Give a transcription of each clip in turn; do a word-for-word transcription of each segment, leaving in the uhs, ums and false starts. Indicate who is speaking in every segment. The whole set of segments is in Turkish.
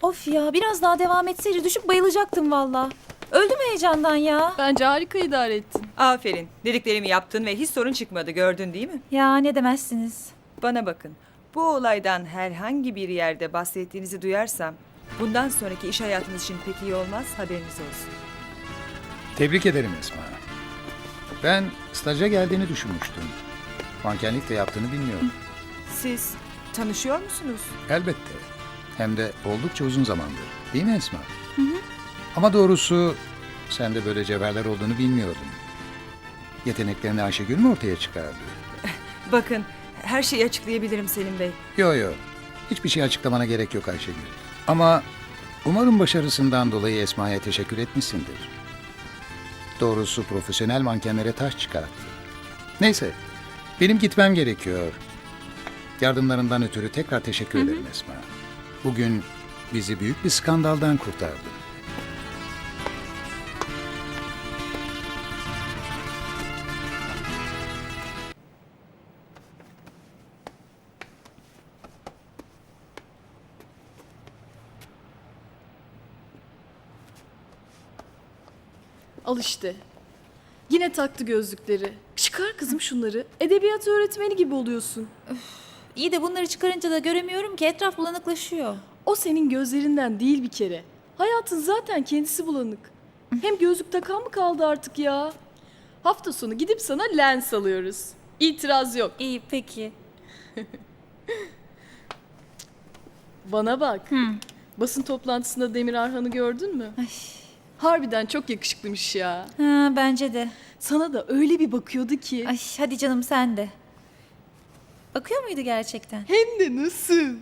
Speaker 1: Of ya, biraz daha devam etseydi düşüp bayılacaktım valla. Öldüm heyecandan ya.
Speaker 2: Bence harika idare ettin.
Speaker 3: Aferin. Dediklerimi yaptın ve hiç sorun çıkmadı, gördün değil mi?
Speaker 1: Ya ne demezsiniz.
Speaker 3: Bana bakın. Bu olaydan herhangi bir yerde bahsettiğinizi duyarsam bundan sonraki iş hayatınız için pek iyi olmaz, haberiniz olsun.
Speaker 4: Tebrik ederim Esma. Ben staja geldiğini düşünmüştüm. Mankenlik de yaptığını bilmiyorum.
Speaker 3: Siz tanışıyor musunuz?
Speaker 4: Elbette. Hem de oldukça uzun zamandır. Değil mi Esma? Hı hı. Ama doğrusu sende böyle cevherler olduğunu bilmiyordum. Yeteneklerini Ayşegül mü ortaya çıkardı?
Speaker 3: Bakın, her şeyi açıklayabilirim Selim Bey.
Speaker 4: Yo yo. Hiçbir şey açıklamana gerek yok Ayşegül. Ama umarım başarısından dolayı Esma'ya teşekkür etmişsindir. Doğrusu profesyonel mankenlere taş çıkarttı. Neyse, benim gitmem gerekiyor. Yardımlarından ötürü tekrar teşekkür hı hı. ederim Esma. Bugün bizi büyük bir skandaldan kurtardı.
Speaker 2: Al işte. Yine taktı gözlükleri. Çıkar kızım şunları. Edebiyat öğretmeni gibi oluyorsun.
Speaker 1: İyi de bunları çıkarınca da göremiyorum ki, etraf bulanıklaşıyor.
Speaker 2: O senin gözlerinden değil bir kere. Hayatın zaten kendisi bulanık. Hem gözlük takan mı kaldı artık ya? Hafta sonu gidip sana lens alıyoruz. İtiraz yok.
Speaker 1: İyi peki.
Speaker 2: Bana bak. Basın toplantısında Demir Arhan'ı gördün mü?
Speaker 1: Ay.
Speaker 2: Harbiden çok yakışıklıymış ya.
Speaker 1: Ha, bence de.
Speaker 2: Sana da öyle bir bakıyordu ki.
Speaker 1: Ay hadi canım sen de. Bakıyor muydu gerçekten?
Speaker 2: Hem de nasıl?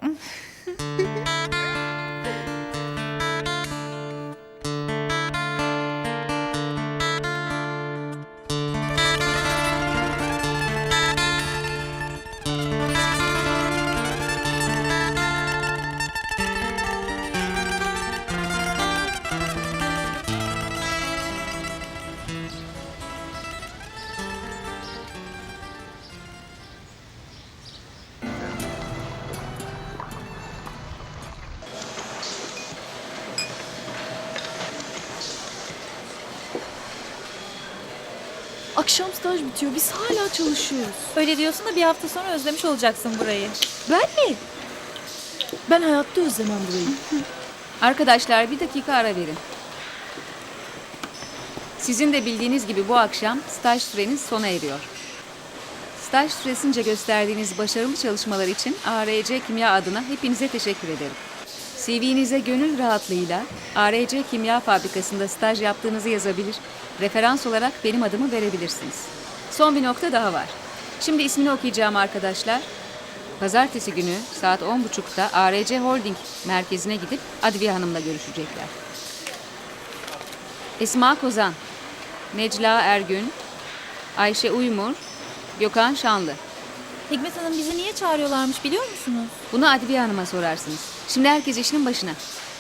Speaker 2: Akşam staj bitiyor. Biz hala çalışıyoruz.
Speaker 1: Öyle diyorsun da bir hafta sonra özlemiş olacaksın burayı.
Speaker 2: Ben mi? Ben hayatta özlemem burayı.
Speaker 5: Arkadaşlar bir dakika ara verin. Sizin de bildiğiniz gibi bu akşam staj süreniz sona eriyor. Staj süresince gösterdiğiniz başarılı çalışmalar için A R C Kimya adına hepinize teşekkür ederim. C V'nize gönül rahatlığıyla A R C Kimya Fabrikası'nda staj yaptığınızı yazabilir, referans olarak benim adımı verebilirsiniz. Son bir nokta daha var. Şimdi ismini okuyacağım arkadaşlar. Pazartesi günü saat on buçukta A R C Holding merkezine gidip Adviye Hanım'la görüşecekler. Esma Kozan, Necla Ergün, Ayşe Uymur, Gökhan Şanlı.
Speaker 1: Hikmet Hanım bizi niye çağırıyorlarmış biliyor musunuz?
Speaker 5: Bunu Adviye Hanım'a sorarsınız. Şimdi herkes işinin başına.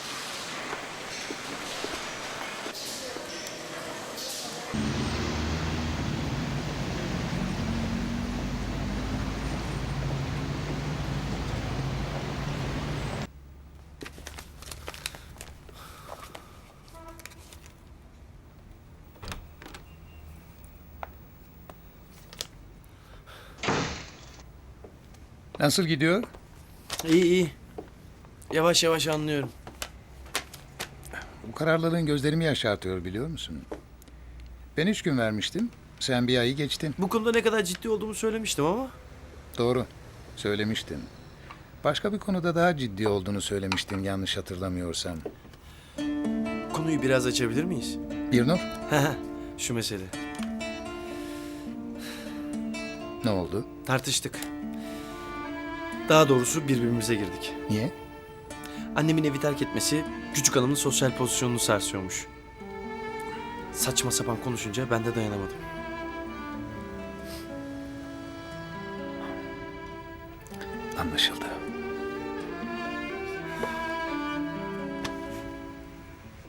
Speaker 4: Nasıl gidiyor?
Speaker 6: İyi iyi. Yavaş yavaş anlıyorum.
Speaker 4: Bu kararlılığın gözlerimi yaşartıyor biliyor musun? Ben üç gün vermiştim. Sen bir ayı geçtin.
Speaker 6: Bu konuda ne kadar ciddi olduğumu söylemiştim ama.
Speaker 4: Doğru. Söylemiştin. Başka bir konuda daha ciddi olduğunu söylemiştin yanlış hatırlamıyorsam.
Speaker 6: Konuyu biraz açabilir miyiz?
Speaker 4: Birnur,
Speaker 6: Şu mesele.
Speaker 4: ne oldu?
Speaker 6: Tartıştık. Daha doğrusu birbirimize girdik.
Speaker 4: Niye?
Speaker 6: Annemin evi terk etmesi küçük hanımın sosyal pozisyonunu sarsıyormuş. Saçma sapan konuşunca ben de dayanamadım.
Speaker 4: Anlaşıldı.